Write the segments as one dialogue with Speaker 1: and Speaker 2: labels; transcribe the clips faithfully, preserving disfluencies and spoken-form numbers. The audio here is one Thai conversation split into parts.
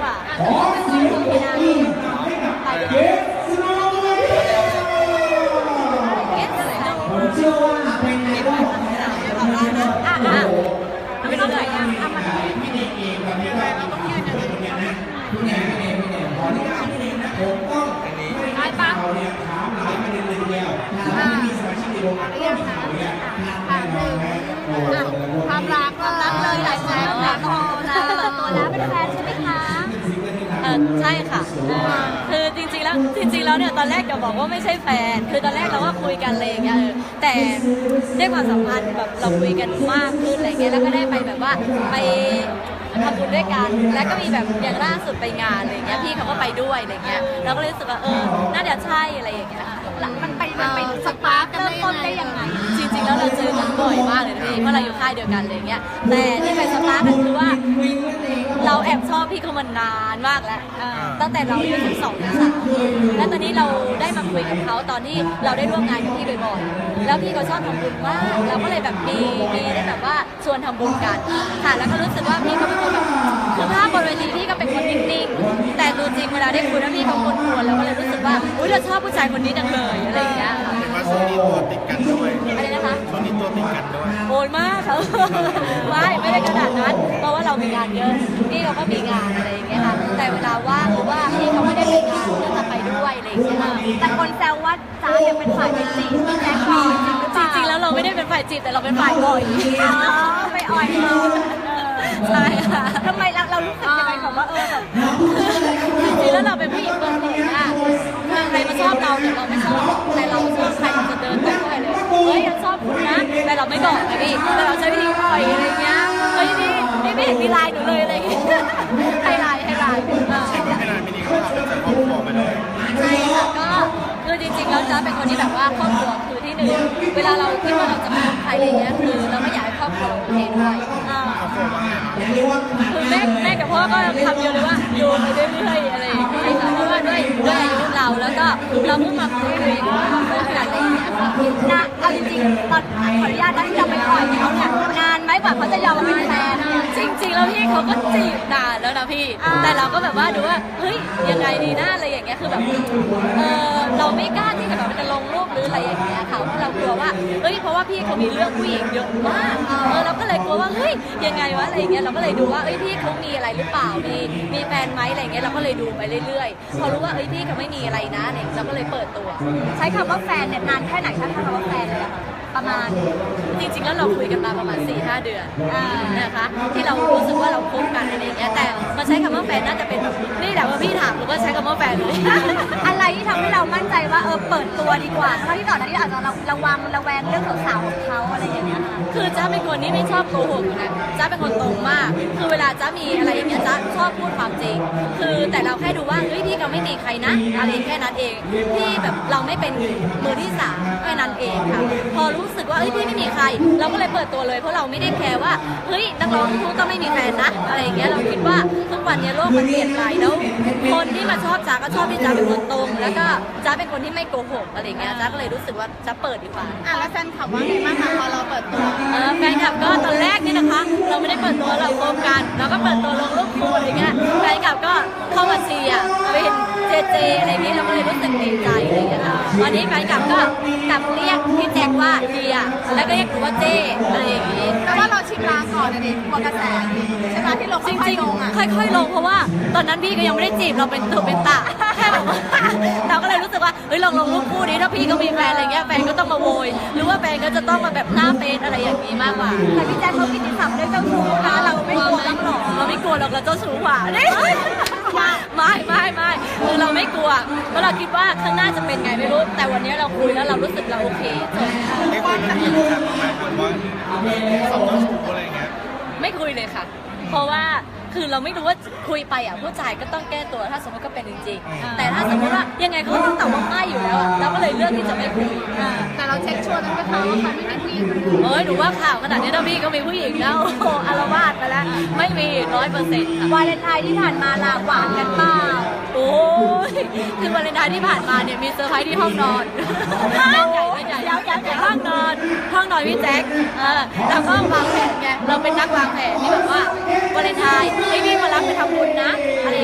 Speaker 1: ว่า
Speaker 2: ขอเสียงปรบมือให้กับเกสโนว์ผมเชื่อว่าเป็นในรอบของเราอ่ะอ่ะ
Speaker 1: ไม่รู้เลยอ่ะอ่ะมัน
Speaker 2: พี่เด็กเองแบบนี้เราต้องยืนอย่างนี้นะพี่เด็กพี่เด็กพี่เด็กขออนุญาตพี่เด็กนะผมต้องให้เราเนี่ยถามหลายประเด็นเลยทีเดียวถ้าไม่มีสมาชิกในวงการก็ต้องถามเนี่ยถามหนึ่ง
Speaker 1: ความรักความรักเลยหลายแสนหลายคนนะเปิดตัวแล้วเป็นแฟนใช่ไหมคะ
Speaker 3: เออใช่ค่ะคือจริงๆแล้วจริงๆแล้วเนี่ยตอนแรกจะบอกว่าไม่ใช่แฟนคือตอนแรกเราก็คุยกันอะไรอย่างเงี้ยแต่ได้ความสัมพันธ์แบบเราคุยกันมากขึ้นอะไรเงี้ยแล้วก็ได้ไปแบบว่าไปทำบุญด้วยกันแล้วก็มีแบบอย่างล่าสุดไปงานอะไรเงี้ยพี่เขาก็ไปด้วยอะไรเงี้ยเราก็เลยรู้สึกว่าเออน่าจะใช่อะไรอย่างเงี้ย
Speaker 1: มันไปมันไปสปาร์กเริ่มต้นได้ยังไง
Speaker 3: จริงๆแล้วเราเจอกันบ่อยมากเลยพี่เพราะเราอยู่ค่ายเดียวกันอะไรเงี้ยแต่ที่ไปสปาร์กกันคือว่าเราแอบชอบพี่เขามานานมากแล้วตั้งแต่เราอายุสิบสองสิบสามแล้วตอนนี้เราได้มาคุยกับเขาตอนที่เราได้ร่วมงานกับพี่บ่อยๆแล้วพี่เขาชอบทำบุญมากเราก็เลยแบบมีมีได้แบบว่าชวนทำบุญกันค่ะแล้วก็รู้สึกว่าพี่เขาเป็นคนแบบคือภาพบนเวทีพี่ก็เป็นคนนิ่งๆแต่ตัวจริงเวลาได้คุยแล้วพี่เขาคนควรแล้วก็เลยรู้สึกว่าอุ้ยเราชอบผู้ชายคนนี้จังเลยอะไรอย่างเงี้ย
Speaker 4: เห็นว่าช่วงนี้ตัวติดกันด้วย
Speaker 3: อะไรนะคะ
Speaker 4: ช่วงนี้ตัวติดกันด้วย
Speaker 3: โอนมากเขาไม่ไม่ได้ขนาดนั้นเพราะว่าเรามีงานเยอะพี่เขาก็มีงานอะไรอย่างเงี้ยค่ะแต่เวลาว่างหรือว่าพี่เขาไม่ได้ไปงานก็จะไปด้วยอะไรอย่างเงี้ย
Speaker 1: แต่คนแซวว่าจ้ายังเป็นฝ่ายเป็นจีบพี่แจ๊คก่อน
Speaker 3: จริงๆแล้วเราไม่ได้เป็นฝ่ายจีบแต่เราเป็นฝ่ายอ่อย
Speaker 1: ไปอ่อยเขา
Speaker 3: ใช่ค่ะ
Speaker 1: ทำไมเราเรารู้สึกยังไงแบบว่าเออแบบ
Speaker 3: จริงๆแล้วเราเป็นผู้หญิงเปิดเผยอะใครมาชอบเราเนี่ยเราไม่ชอบแต่เราชอบใครเราจะเดินไปด้วยเลยเฮ้ยยังชอบคุณนะแต่เราไม่บอกนะพี่แต่เราใช้วิธีปล่อยอะไรเงี้ยเฮ้ยนี่นี่ไม่เห็นมีลายหนูเลยอะไรอย่างเงี้ยให้ลายให้ลาย
Speaker 4: เช็คว่าไม่ได้ไม่ดีก็ทำจากครอบครัวไปเลย
Speaker 3: ใช่ค่ะก็คือจริงๆแล้วจะเป็นคนที่แบบว่าครอบครัวคือที่หนึ่งเวลาเราคิดว่าเราจะมาใครอะไรเงี้ยคือเราไม่อยากให้ครอบครัวเราโอเคด้วยคือแม่แม่กับพ่อก็ทำเยอะเลยว่าอยู่ไปเรื่อยๆอะไรอย่างเงี้ยค่ะเพราะว่าด้วยด้วยอายุเราแล้วก็เราเพิ่งมาคุยคุยกันอะไรอย่างเงี้ยค่ะ
Speaker 1: นะเอาจริงๆตอนขออนุญาตนะที่เราไปปล่อยเขาเนี่ยนานไหมกว่าเขาจะยอมมาเป็นแฟน
Speaker 3: จริงๆแล้วพี่เขาก็จีบนานแล้วนะพี่แต่เราก็แบบว่าดูว่าเฮ้ยยังไงดีนะอะไรอย่างเงี้ยคือแบบเออเราไม่กล้าที่จะแบบจะลงรูปหรืออะไรอย่างเงี้ยค่ะเพราะเรากลัวว่าเฮ้ยเพราะว่าพี่เขามีเรื่องผู้หญิงเยอะมากเออเราก็เลยกลัวว่าเฮ้ยยังไงวะอะไรอย่างเงี้ยเราก็เลยดูว่าเอ้ยพี่เขามีอะไรหรือเปล่ามีมีแฟนไหมอะไรเงี้ยเราก็เลยดูไปเรื่อยๆพอรู้ว่าเอ้ยพี่เขาไม่มีอะไรนะเนี่ยเราก็เลยเปิดตัว
Speaker 1: ใช้คำว่าแฟนเนี่ยนานแค่ไหนถ้าคำว่าแฟนเลยอะค่ะประมาณ
Speaker 3: จริงๆแล้วเราคุยกันมาประมาณ สี่ห้า เดือนนะคะที่เรารู้สึกว่าเราคบกันอะไรอย่างเงี้ยแต่มาใช้คำว่าแฟนน่าจะเป็นแบบนี่แหละว่าพี่ถามหรือว่าใช้คำว่าแฟนเลย
Speaker 1: อะไรที่ทำให้เรามั่นใจว่าเออเปิดตัวดีกว่าเพราะที่ก่อนหน้านี้อาจจะระวังระแวงเรื่องสาวๆของเขาอะไรอย่างเงี้ยค่ะ
Speaker 3: คือจ้าเป็นคนที่ไม่ชอบโกหกนะจ้าเป็นคนตรงมากคือเวลาจ้ามีอะไรอย่างเงี้ยจ้าชอบพูดความจริงคือแต่เราแค่ดูว่าเฮ้ยพี่เขาไม่มีใครนะอะไรแค่นั้นเองที่แบบเราไม่เป็นมือที่สามแค่นั้นเองค่ะพอรู้สึกว่าเฮ้ยพี่ไม่มีใครเราก็เลยเปิดตัวเลยเพราะเราไม่ได้แคร์ว่าเฮ้ยนักร้องทุกต้องไม่มีแฟนนะอะไรอย่างเงี้ยเราคิดว่าทุกวันนี้โลกมันเปลี่ยนไปแล้วคนที่มาชอบจ้าก็ชอบที่จ้าเป็นคนตรงแล้วก็จ้าเป็นคนที่ไม่โกหกอะไรเงี้ยจ้าก็เลยรู้สึกว่าจ้าเปิดดีกว่า
Speaker 1: อ่ะแล้วแฟนคลับว่าไงบ้างคะพอเราเปิดตัว
Speaker 3: เออแฟนคลับก็ตอนแรกนี่นะคะเราไม่ได้เปิดตัวเราโกงกันเราก็เปิดตัวลงรูปคู่อะไรเงี้ยแฟนคลับก็เข้ามาเชียร์เป็นเจเจอะไรเงี้ยเราก็เลยรู้สึกดีใจอะไรเงี้ยค่ะวันนี้แฟนคลับก็กลับเรียกพี่แจ็คว่าเดียแล้วก็เรียกหนูว่าเจอะไรอย่างงี้
Speaker 1: แต่ว่าเราชิมลางก่อนนะดิกลัวกระแสใช่ไหมที่ลง
Speaker 3: จริงๆค่อยๆลงเพราะว่าตอนนั้นพี่ก็ยังไม่ได้จีบเราเป็นตัวเป็นตาแค่แบบว่าเราก็เลยรู้สึกว่าเฮ้ยลองลงรูปคู่นี้ถ้าพี่ก็มีแฟนอะไรเงี้ยแฟนก็ต้องมาโวยหรือว่าแฟนก็จะต้องมาแบบหน้าเฟซอะไรอย่างนี้มากกว่า
Speaker 1: แต่พี่แจ๊คเขากินที่สับด้วยเจ้าชู้นะเราไม่กลัวบ้างหรอ
Speaker 3: เราไม่กลัวหรอกเราเจ้าชู้กว่าไม่ไม่ไม่ไม่คือเราไม่กลัวเพราะเราคิดว่าข้างหน้าจะเป็นไงไม่รู้แต่วันนี้เราคุยแล้วเรารู้สึกเราโอเคจบ
Speaker 4: ไม่คุยกันอีกครับประมาณว่าสองเจ้าชู้อะไรเงี้ย
Speaker 3: ไม่คุยเลยค่ะเพราะว่าคือเราไม่รู้ว่าคุยไปอ่ะผู้ชายก็ต้องแก้ตัวถ้าสมมติก็เป็นจริงๆแต่ถ้าสมมติว่ายังไงเขาต้องตอบว่าไม่อยู่แล้วอ่ะเราก็เลยเลือกที่จะไม่คุย
Speaker 1: แต่เราเช็คชัวร์ตั้งแต่เขาว่าเขาไม่มีผู้หญิง
Speaker 3: เอ้ยหนูว่าข่าวขนาดนี้ถ้าพี่ก็มีผู้หญิงแล้วโอ้อารวาสไปแล้วไม่มีร้อยเปอร์เซ็นต์
Speaker 1: วาเลนไทน์ที่ผ่านมาลาหวานกันเปล่า
Speaker 3: โอ้ยคือวาเลนไทน์ที่ผ่านมาเนี่ยมีเซอร์ไพรส์ที่ห้องนอนห้องใหญ่ไม่ใหญ่ห้องนอนห้องนอนพี่แจ็คเออแล้วก็วางแผนไงเราเป็นนักวางแผนที่แบบว่าวาเลนไทน์ให้พี่มารับไปทำบุญนะอะไรอย่างเงี้ย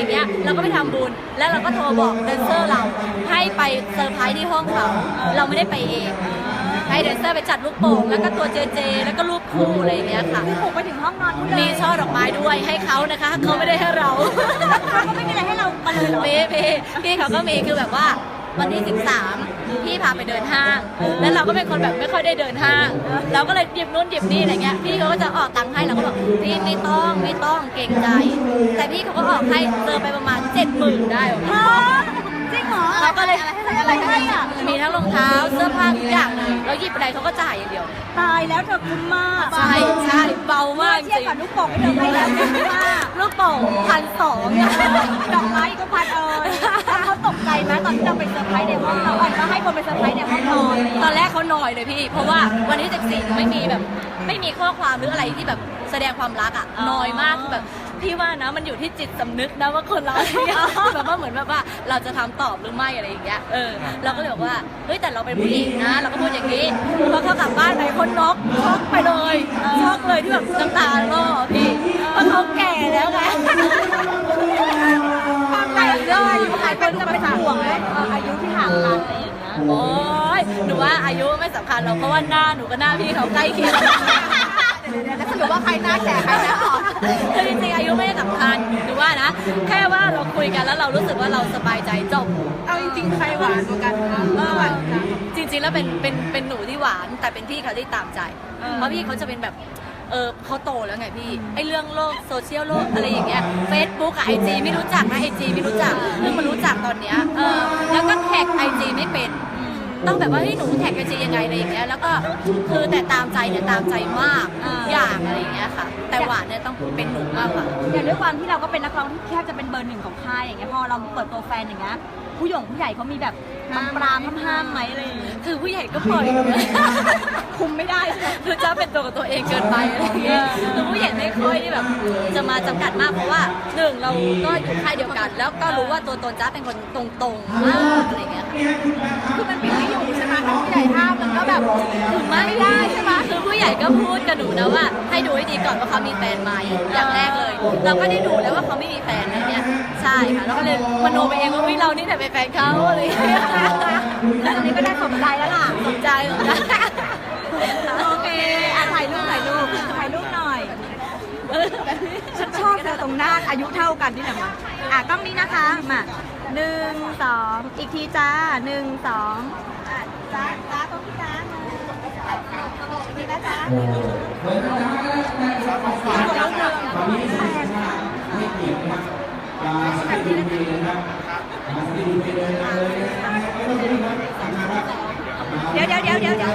Speaker 3: เราก็ไปทำบุญแล้วเราก็โทรบอกแดนเซอร์เราให้ไปเซอร์ไพรส์ที่ห้องเขาเราไม่ได้ไปเองให้แดนเซอร์ไปจัดลูกโป่งแล้วก็ตัวเจเจแล้วก็รูปคู่อะไรอย่างเงี้ยค่ะ
Speaker 1: คือปลุกไปถึงห้องนอนคุณเลย
Speaker 3: มีช่อดอกไม้ด้วยให้เขานะคะเขาไม่ได้ให้เรา
Speaker 1: เขาก็ไม่มีอะไรให้เรามาเลยเหรอ
Speaker 3: พี่พี่พี่เขาก็มีคือแบบว่าวันที่สิบสามพี่พาไปเดินห้างแล้วเราก็เป็นคนแบบไม่ค่อยได้เดินห้างเราก็เลยหยิบนู่นหยิบนี่อะไรเงี้ยพี่เขาก็จะออกตังค์ให้เราก็บอกพี่ไม่ต้องไม่ต้องเกรงใจ แต่พี่เขาก็ออกให้เจอไปประมาณเจ็ดหมื่นได้หรอ
Speaker 1: ฮะจริงเหรอ
Speaker 3: เราก็เลย
Speaker 1: อะไรให้อ่ะ
Speaker 3: มีทั้งรองเท้าเสื้อผ้าทุกอย่างเลยเราหยิบอะไรเขาก็จ่ายอย่างเดียว
Speaker 1: ตายแล้วเธอคุ้มมาก
Speaker 3: ใช่ใช่เบามากจ
Speaker 1: เทียบ
Speaker 3: ริง
Speaker 1: กับลูกโป่งที่เธอให้แล้วคุ้มมาก
Speaker 3: ลูกโป่งพันสอง
Speaker 1: ดอกไม้ก็พันเอ่ยแล้วเขาตกใจไหมตอนที่เราไปเซอร์ไพรส์ในห้องเราอ่ะก็ให้คนไปเซอร์ไพรส์ในห้องนอน
Speaker 3: ตอนแรกเขาหน่อยเลยพี่ เพราะว่าวันที่สิบสี่ไม่มีแบบไม่มีข้อความหรืออะไรที่แบบแสดงความรักอ่ะน้อยมากคือแบบพี่ว่านะมันอยู่ที่จิตสำนึกนะว่าคนเราเนี่ยแบบว่าเหมือนแบบว่าเราจะทำตอบหรือไม่อะไรอย่างเงี้ยเออเราก็เลยบอกว่าเฮ้ยแต่เราเป็นผู้หญิงนะเราก็พูดอย่างนี้พอเขากลับบ้านไหนคนน็อกช็อกไปเลยช็อกเลยที่แบบน้ำตาล่อพี่เพราะเขาแก่แล้วไง
Speaker 1: ความใหญ่เลยหลายคนจะเป็นห่วงเลยอายุที่ห่างกันอะไรอย่างเงี้ย
Speaker 3: โอ้ยหนูว่าอายุไม่สำคัญหรอกเพราะว่าหน้าหนูกับหน้าพี่เขาใกล้เคียง
Speaker 1: แล้วสรุปว่าใครหน้าแก่ใครหน้าอ่อน
Speaker 3: คือจริงๆอายุไม่ได้สำคัญหรือว่านะ แค่ว่าเราคุยกันแล้วเรารู้สึกว่าเราสบายใจจบ
Speaker 1: เอาจริงๆใครหวานกว่ากันคะระหว่างกัน
Speaker 3: จริงๆแล้วเป็นเป็นเป็นหนูที่หวานแต่เป็นพี่เขาที่ตามใจ เพราะพี่เขาจะเป็นแบบเออเขาโตแล้วไงพี่ไอเรื่องโลกโซเชียลโลกอะไรอย่างเงี้ยเฟซบุ๊กกับไอจีไม่รู้จักนะไอจีไม่รู้จักเพิ่งมารู้จักตอนเนี้ยเออแล้วก็แท็กไอจีไม่เป็นต้องแบบว่าเฮ้ยหนูแท็กไอจียังไงอะไรอย่างเงี้ยแล้วก็คือแต่ตามใจเนี่ยตามใจมากทุกอย่างอะไรอย่างเงี้ยค่ะ แต่หวานเนี่ยต้องเป็นหนูมากกว่า
Speaker 1: อย่างด้วยความที่เราก็เป็นนักร้องที่แทบจะเป็นเบอร์หนึ่งของค่ายอย่างเงี้ยพอเราเปิดตัวแฟนอย่างเงี้ยผู้หยงผู้ใหญ่เขามีแบบบางปรามห้ามๆไหมอะไรอย่างเงี้ย
Speaker 3: คือผู้ใหญ่ก็ปล่อย
Speaker 1: คุมไม่ได้ใช่ไหม
Speaker 3: คือจะเป็นตัวกับตัวเองเกินไปอะไรอย่างเงี้ยคือผู้ใหญ่ไม่ค่อยที่แบบจะมาจำกัดมากเพราะว่าหนึ่งเราก็อยู่ค่ายเดียวกัน แล้วก็รู้ว่าตัวตนจ้าเป็นคนตรงๆมากอะไรอย่างเงี้ยค่ะ
Speaker 1: คือมันปิดไม่อยู่ใช่ไหมถ้าผู้ใหญ่ห้ามมันก็แบบ
Speaker 3: คือไม่ได้ใช่ไหมคือผู้ใหญ่ก็พูดกับหนูนะว่า ให้ดูให้ดีก่อนว่าเขามีแฟนไหมอย่างแรกเลย เราก็ได้ดูแล้วว่าเขาไม่มีแฟนอะไรเงี้ยใช่ค่ะแล้วก็เลยมโนไปเองว่าวิเรานี่แต่เป็นแฟนเขาอะไรอย่างเงี้ย
Speaker 1: แล้วตอนนี้ก็ได้สมใจแล้วล่ะ
Speaker 3: สนใจเหรอ
Speaker 1: โอเคอ่ะถ่ายรูปถ่ายรูปถ่ายรูปหน่อย ฉันชอบเธอตรงหน้าอายุเท่ากันนี่แหละมาอ่ะกล้องนี้นะคะมาหนึ่งสองอีกทีจ้าหนึ่งสองอ่ะจ้าจ้าตรงที่จ้าหนึ่งอีกทีนะจ้า
Speaker 2: โอ้เหมือนกันนะครับฝากจากตอนนี้สินค้าไม่เกี่ยวนะครับยาสติดูดีนะครับยาสติดูดีเลยนะเลยนะไม่ต้องรีบนะทำงานครับ
Speaker 1: เดี๋ยวเดี๋ยวเดี๋ยวเดี๋ยวเดี๋ยว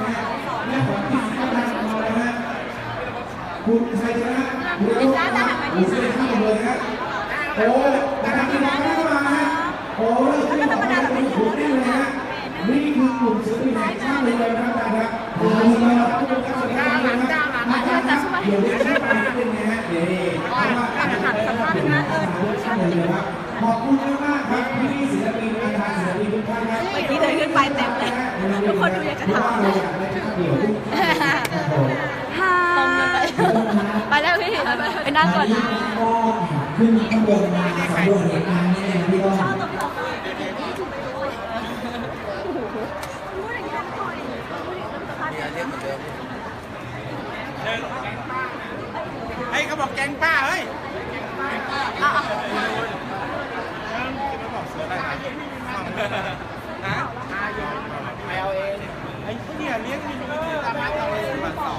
Speaker 2: คุณชัยชนะคุณรู้คุณเสียข้าวเลยนะโอ้นะครับที่น้องเข้ามาฮะโอ้แล้วก็ธรรมดาแบบนี้คุณได้เลยนะนี่คือกลุ่มศิลปินแห่งชาติเลยนะครับอาจารย์ครับโอ้ยมาแล้วทุกท่านสวัสดีครับอาจารย์ครับเดี๋ยวนี้ได้มาเป็นไงฮะเดี๋ยวนี้อาจารย์ครับสัมภาษณ์นะเออท่านเลยครับขอบคุณมากครับพี่ศิลปินอาจารย์ศิลปินทุกท่านครับ
Speaker 1: เมื่อกี้เดินขึ้นไปเต็มเลยทุกคนดูอยากจะถามเลย ค่ะ
Speaker 3: ตรงกันไปไปแล้วพี่ไปนั่งก่อนนะ
Speaker 2: ขึ้นข้างบนมาสำรวจเหตุการณ์นี้เลยพี่ก็
Speaker 4: เฮ้ยเขาบอกแกงป้าเฮ้ยนะแมวเองไอ้เนี่ยเลี้ยงมีตามมาเอาเลยมาสอง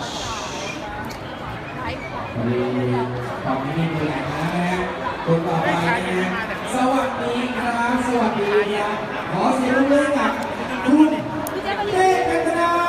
Speaker 2: ตอนนี้มีแหล่งนะฮะคนต่อไปนะสวัสดีครับสวัสดีครับขอเสียงปรบมือกับคุณเต้กันตนา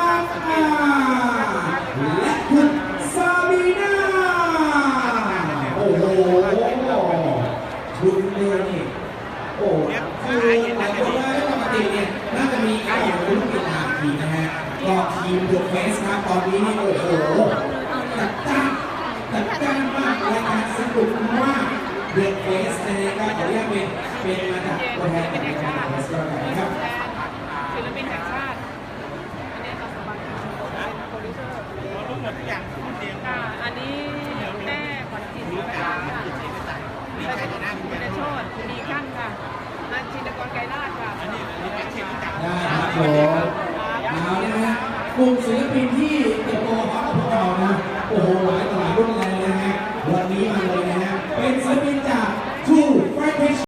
Speaker 2: และคุณซาบีนาโอ้โหคุณเต้นี่โอ้คือหลายคนได้ปกติเนี่ยน่าจะมีการอย่างคุณปิดหาทีนะฮะก็ทีมเดอะเฟสครับตอนนี้นี่โอ้โหจัดจ้านจัดจ้านมากรายการสนุกมากเดอะเฟสนะฮะก็ขออนุญาตเป็นเป็นมาจากตัวแทนของรายการเดอะเฟสก็แล้วกันนะครับ
Speaker 5: ศิลปินแห่งชาติ อันนี้เราสมัครเป็นโปรดิวเซอร์
Speaker 4: รู้หมดทุกอย่างทุกเรียน
Speaker 5: ค่ะอันนี้แม่ขวัญจิตนะคะ
Speaker 4: ดีใจในหน้าคุณแม่
Speaker 5: คุณโชติคุณดี
Speaker 2: กลุ่มศิลปินที่เติบโตมาพร้อมกับพวกเรานะโอ้โหหลายต่อหลายรุ่น